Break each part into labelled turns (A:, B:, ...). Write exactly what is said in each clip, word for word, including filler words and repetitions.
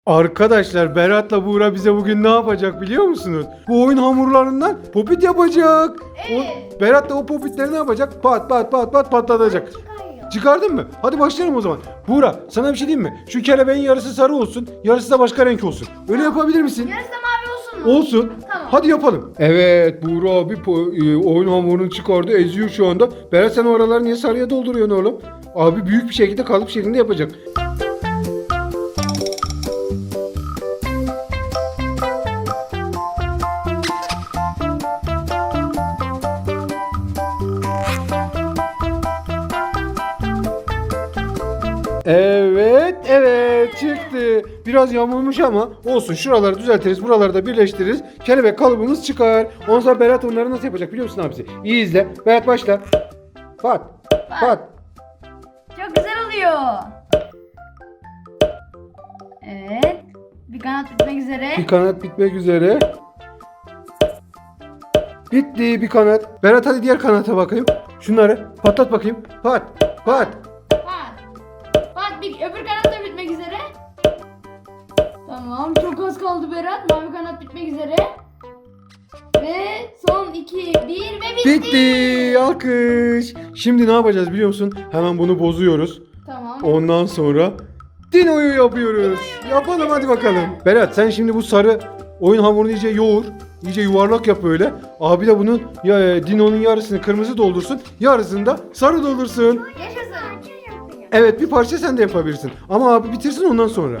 A: Arkadaşlar Berat'la Buğra bize bugün ne yapacak biliyor musunuz? Bu oyun hamurlarından popit yapacak.
B: Evet.
A: O, Berat da o popitleri ne yapacak? Pat pat pat pat patlatacak.
B: Çıkarıyor.
A: Çıkardın mı? Hadi başlayalım o zaman. Buğra sana bir şey diyeyim mi? Şu kelebeğin yarısı sarı olsun, yarısı da başka renk olsun. Öyle yapabilir misin?
B: Yarısı da mavi olsun mu?
A: Olsun.
B: Tamam.
A: Hadi yapalım. Evet Buğra abi po- e, oyun hamurunu çıkardı, eziyor şu anda. Berat sen oraları niye sarıya dolduruyorsun oğlum? Abi büyük bir şekilde kalıp şeklinde yapacak. Evet, evet çıktı. Biraz yamulmuş ama olsun. Şuraları düzeltiriz, buraları da birleştiririz. Kelebek kalıbımız çıkar. Ondan sonra Berat onları nasıl yapacak biliyor musun abisi? İyi izle. Berat başla. Pat, pat.
B: Çok güzel oluyor. Evet. Bir kanat bitmek üzere.
A: Bir kanat bitmek üzere. Bitti bir kanat. Berat hadi diğer kanata bakayım. Şunları patlat bakayım. Pat, pat.
B: Bak. Bak bir öbür kanat da bitmek üzere. Tamam. Çok az kaldı Berat. Mavi kanat bitmek üzere. Ve son iki, bir ve bitti.
A: Bitti. Alkış. Şimdi ne yapacağız biliyor musun? Hemen bunu bozuyoruz.
B: Tamam.
A: Ondan sonra Dino'yu yapıyoruz. Yapalım hadi bakalım. Berat sen şimdi bu sarı oyun hamurunu iyice yoğur. İyice yuvarlak yap böyle. Abi de bunun ya, e, Dino'nun yarısını kırmızı doldursun. Yarısını da sarı doldursun.
B: Yaşasın.
A: Evet bir parça sen de yapabilirsin. Ama abi bitirsin ondan sonra.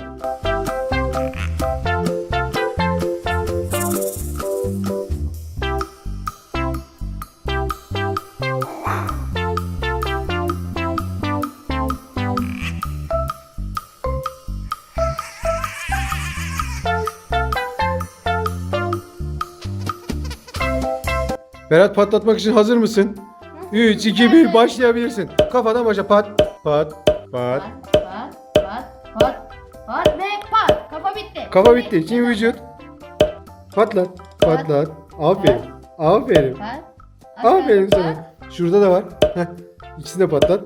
A: Berat patlatmak için hazır mısın? üç, iki, bir başlayabilirsin. Kafadan başla pat pat pat.
B: Pat, pat, pat, pat, pat ve pat. Kafa bitti.
A: Kafa bitti. Şimdi vücut. Patlat. Patlat. Aferin. Aferin.
B: Pat.
A: Aferin
B: Pat.
A: sana. Şurada da var. Heh. İkisini de patlat.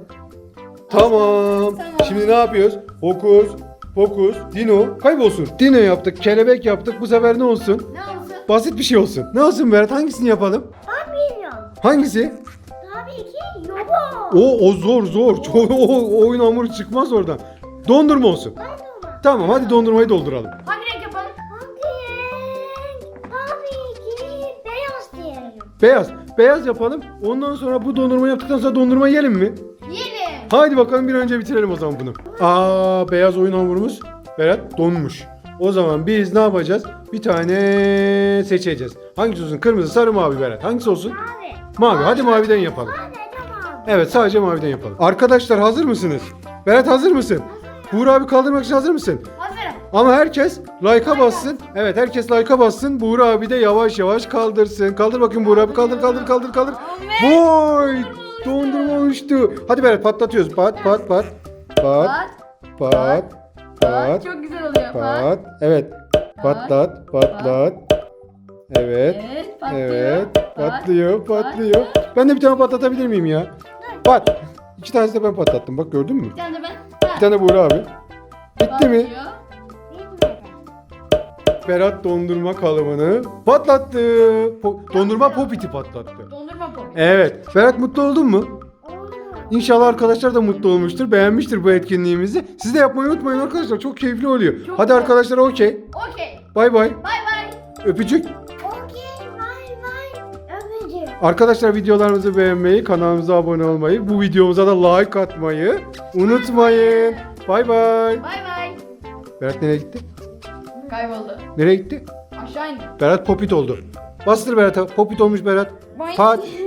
A: Tamam.
B: Tamam.
A: Şimdi ne yapıyoruz? Fokus. Fokus. Dino. Kaybolsun. Dino yaptık. Kelebek yaptık. Bu sefer ne olsun?
B: Ne olsun?
A: Basit bir şey olsun. Ne olsun Berat? Hangisini yapalım?
C: Ben bilmiyorum.
A: Hangisi?
C: Tabii ki robot.
A: O o zor zor. Çok, o, o oyun hamuru çıkmaz oradan. Dondurma olsun.
C: Dondurma.
A: Tamam hadi dondurmayı dolduralım.
B: Hangi renk yapalım?
C: Hangi renk? Tabii ki beyaz diyelim.
A: Beyaz. Beyaz yapalım. Ondan sonra bu dondurma yaptıktan sonra dondurma yiyelim mi?
B: Yiyelim.
A: Haydi bakalım bir an önce bitirelim o zaman bunu. Aa beyaz oyun hamurumuz Berat donmuş. O zaman biz ne yapacağız? Bir tane seçeceğiz. Hangisi olsun? Kırmızı, sarı, mavi Berat. Hangisi olsun?
C: Mavi.
A: Mavi. Hadi maviden yapalım.
C: Sadece mavi.
A: Evet sadece maviden yapalım. Arkadaşlar hazır mısınız? Berat hazır mısın? Buğra abi kaldırmak için hazır mısın?
B: Hazırım.
A: Ama herkes like'a bassın. Evet herkes like'a bassın. Buğra abi de yavaş yavaş kaldırsın. Kaldır bakayım Buğra abi. Kaldır kaldır kaldır kaldır. Vay! Dondurma oluştu. Hadi Berat patlatıyoruz. Pat pat pat. Pat
B: Pat.
A: pat pat
B: Çok güzel oluyor. Pat.
A: pat. Evet. Patlat patlat. Evet.
B: Evet. Patlıyor.
A: Evet.
B: Pat.
A: Patlıyor patlıyor. Ben de bir tane patlatabilir miyim ya? Pat. İki tanesi de ben patlattım. Bak gördün mü?
B: Bir tane de ben.
A: Bir tane Buğra abi. Bitti mi?
B: Patlıyor.
C: Bilmeden.
A: Berat dondurma kalıbını patlattı. Po- dondurma popiti patlattı.
B: Dondurma pop.
A: Evet. Berat mutlu oldun mu?
C: Oldu.
A: İnşallah arkadaşlar da mutlu olmuştur. Beğenmiştir bu etkinliğimizi. Siz de yapmayı unutmayın arkadaşlar. Çok keyifli oluyor.
B: Çok
A: Hadi
B: güzel.
A: arkadaşlar okey.
B: Okey.
A: Bay bay.
B: Bay bay.
A: Öpücük.
C: Okey, vay vay. Öpücük.
A: Arkadaşlar videolarımızı beğenmeyi, kanalımıza abone olmayı, bu videomuza da like atmayı unutmayın. Bay bay.
B: Bay bay.
A: Berat nereye gitti?
B: Kayboldu.
A: Nereye gitti?
B: Aşağı indi.
A: Berat popit oldu. Bastır Berat'a. Popit olmuş Berat.
B: Boing.
A: Pat.